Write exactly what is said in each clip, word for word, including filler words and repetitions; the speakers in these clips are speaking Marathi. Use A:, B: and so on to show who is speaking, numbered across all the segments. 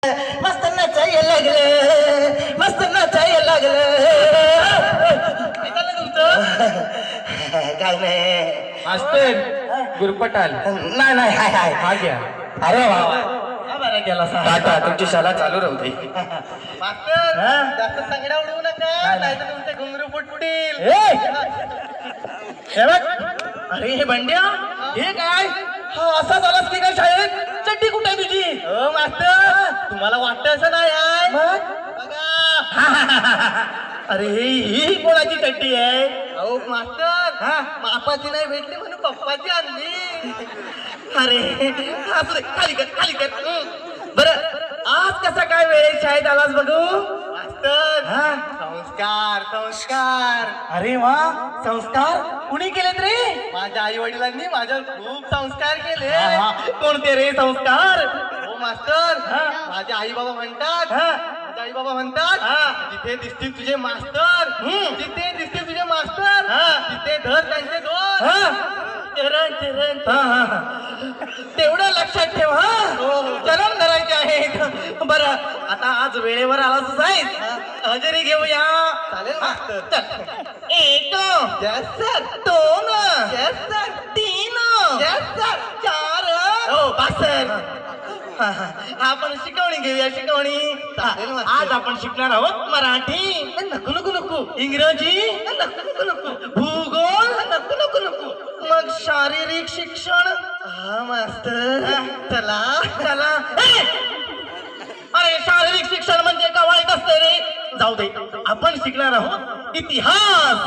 A: मस्त नाचायला लागलं, मस्त नाचायला लागलं.
B: काय झालं तुमचं?
A: काय नाही
B: मास्तर गुरपटाल
A: नाही नाही हाय हाय
B: हा घ्या.
A: अरे वा
B: हा बरं केला
A: टाटा तुमची शाळा चालू राहू दे.
B: मास्तर
A: हा?
B: जास्त संगडा उडवू नका नाही तर तुमचे घुंगरू फुटतील.
A: ए! हे बघ. अरे हे बंड्या हे काय हा असा झालास की काय शाळेत चड्डी कुठे आहे तुझी?
B: हो मास्तर तुम्हाला वाटतं असं नाही आहे
A: मग
B: बघा.
A: अरे ही कोणाची चड्डी आहे?
B: अहो मास्तर
A: हा?
B: मापाची नाही भेटली म्हणून पप्पाची आणली.
A: अरे असू दे, खाली कर खाली कर. बरं आज कसा काय वेळ शाळेत आलास बघू?
B: मास्तर
A: हा?
B: संस्कार संस्कार
A: अरे वा संस्कार कुणी केलेत रे?
B: माझ्या आई वडिलांनी माझ्यावर खूप संस्कार केले.
A: हा, कोणते रे संस्कार?
B: हो मास्तर
A: हा?
B: माझे आई बाबा म्हणतात
A: हा?
B: माझे आई बाबा म्हणतात
A: हा?
B: जिथे दिसतील तुझे मास्तर
A: हम्म.
B: जिथे दिसतील तुझे मास्तर
A: हा?
B: तिथे धर त्यांचे दोन.
A: हा?
B: चरण चरण
A: हा, हा, हा. तेवढं लक्षात ठेव हा. चरण धरायचे आहेत. बरं आता आज वेळेवर आलाच आहेस हजेरी घेऊया.
B: चालेल मास्तर.
A: चल एक
B: Yes, sir.
A: दोन
B: Yes, sir.
A: तीन
B: Yes, sir.
A: चार
B: हो,
A: पासर. आपण शिकवणी घेऊया शिकवणी.
B: चालेल, मास्तर.
A: आज आपण शिकणार आहोत मराठी.
B: नको नको नको
A: इंग्रजी
B: नको नको नको
A: भूगोल
B: नको नको नको
A: मग शारीरिक शिक्षण.
B: हा मास्तर चला
A: चला ए! अरे शारीरिक शिक्षण म्हणजे का वाईट असते रे? जाऊ दे आपण शिकणार आहोत इतिहास.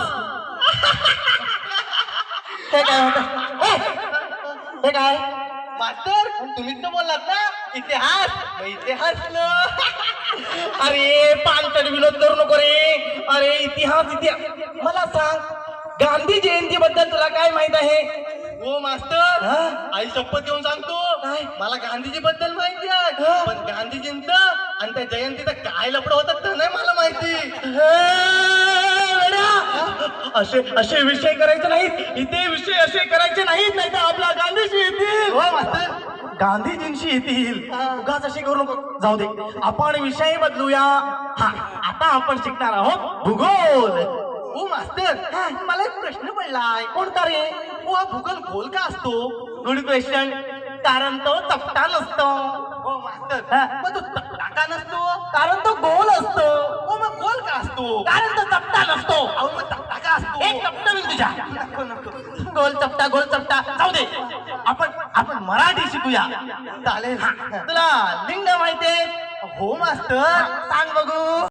A: हे काय होत? हे काय?
B: मास्तर तुम्हीच तर बोललात ना इतिहास मग इतिहास न.
A: अरे पानचड विनोद करू नको रे. अरे इतिहास इतिहास मला सांग गांधी जयंती बद्दल तुला काय माहित आहे?
B: हो मास्तर
A: हा?
B: आई शपथ घेऊन सांगतो
A: काय?
B: मला गांधीजी बद्दल माहिती आहे
A: हा?
B: पण गांधीजींचं आणि त्या जयंतीचं काय लपड होतं तर नाही मला माहिती.
A: हे वेड्या! असे असे विषय करायचे नाहीत इथे. विषय असे करायचे नाहीत नाही तर आपला गांधीजी येतील.
B: हो मास्तर
A: गांधीजींशी येतील. उगाच असे करू नको. जाऊ दे आपण विषय बदलूया. हा आता आपण शिकणार आहोत भूगोल.
B: हो मास्तर मला एक प्रश्न पडलाय.
A: कोणता रे?
B: हो हा भूगोल गोल का असतो?
A: Good question. कारण तो चपटा नसतो.
B: हो मास्तर
A: हा.
B: मग तो चपटा का नसतो?
A: कारण तो गोल असतो.
B: हो मग गोल का असतो?
A: कारण तो चपटा नसतो.
B: अहो मग चपटा का असतो?
A: एक चपटा होईल तुझ्या.
B: नको नको
A: गोल चपटा गोल चपटा. जाऊ दे आपण आपण मराठी शिकूया.
B: चालेल.
A: तुला लिंग माहितीये?
B: हो मास्तर
A: सांग बघू.